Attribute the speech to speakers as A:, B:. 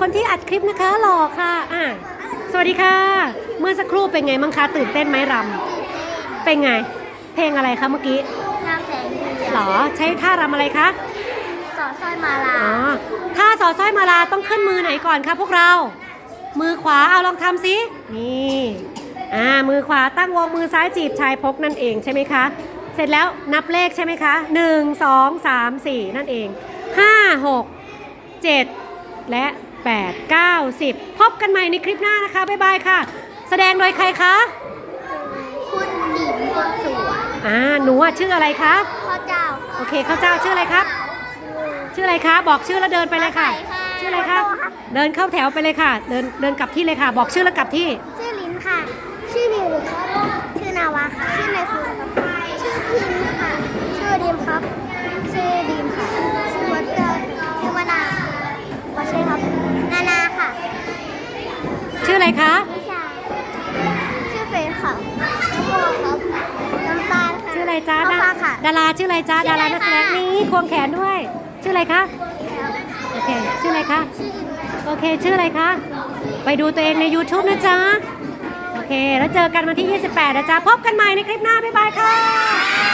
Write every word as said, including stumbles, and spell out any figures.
A: คนที่อัดคลิปนะคะหล่อค่ะอ่ะสวัสดีค่ะเมื่อสักครู่เป็นไงมั้งคะตื่นเต้นไหมรำเป็นไงเพลงอะไรคะเมื่อกี้
B: น้ำแสงเดือน
A: หรอใช้ท่ารำอะไรคะ
B: สอดสร้อยมาลา
A: อ๋อท่าสอดสร้อยมาลาต้องขึ้นมือไหนก่อนคะพวกเรามือขวาเอาลองทำสินี่อ่ามือขวาตั้งวงมือซ้ายจีบชายพกนั่นเองใช่ไหมคะเสร็จแล้วนับเลขใช่ไหมคะหนึ่งสองสามสี่นั่นเองห้าหกเจ็ดและแปด เก้า สิบพบกันใหม่ในคลิปหน้านะคะบ๊ายบายค่ะแสดงโดยใครคะ
B: คุณหญิงคนสวย
A: อ่าหนูชื่ออะไรคะ
B: ข้าเจ้า
A: โอเคข้าเจ้าชื่ออะไรครับชื่ออะไรคะบอกชื่อแล้วเดินไปเลยค่ะชื่ออะไรคะเดินเข้าแถวไปเลยค่ะเดินเดินกลับที่เลยค่ะบอกชื่อแล้วกลับที่
B: ชื่อลิ้นค่ะชื่อมิวครับชื่อนาวาค่ะชื่อนายฟูครับชื่อพิมค่ะชื่อดีมครับชื่อดีมค่ะชื่อวัดเกิดชื่อวนาวัชชัยครับนานาค่ะ
A: ชื่ออะไรคะ
B: นิชาชื่อเฟย์ค่ะน้ำโมครับน้ำตาลค่ะ
A: ชื่ออะไรจ้า
B: ค่ะ
A: ดาราชื่ออะไรจ้าดารานักแสดงนี้ควงแขนด้วยชื่ออะไรคะโอเคชื่ออะไรคะโอเคชื่ออะไรคะไปดูตัวเองใน ยูทูบ นะจ๊ะโอเคแล้วเจอกันวันที่ยี่สิบแปดนะจ๊ะพบกันใหม่ในคลิปหน้าบ๊ายบายค่ะ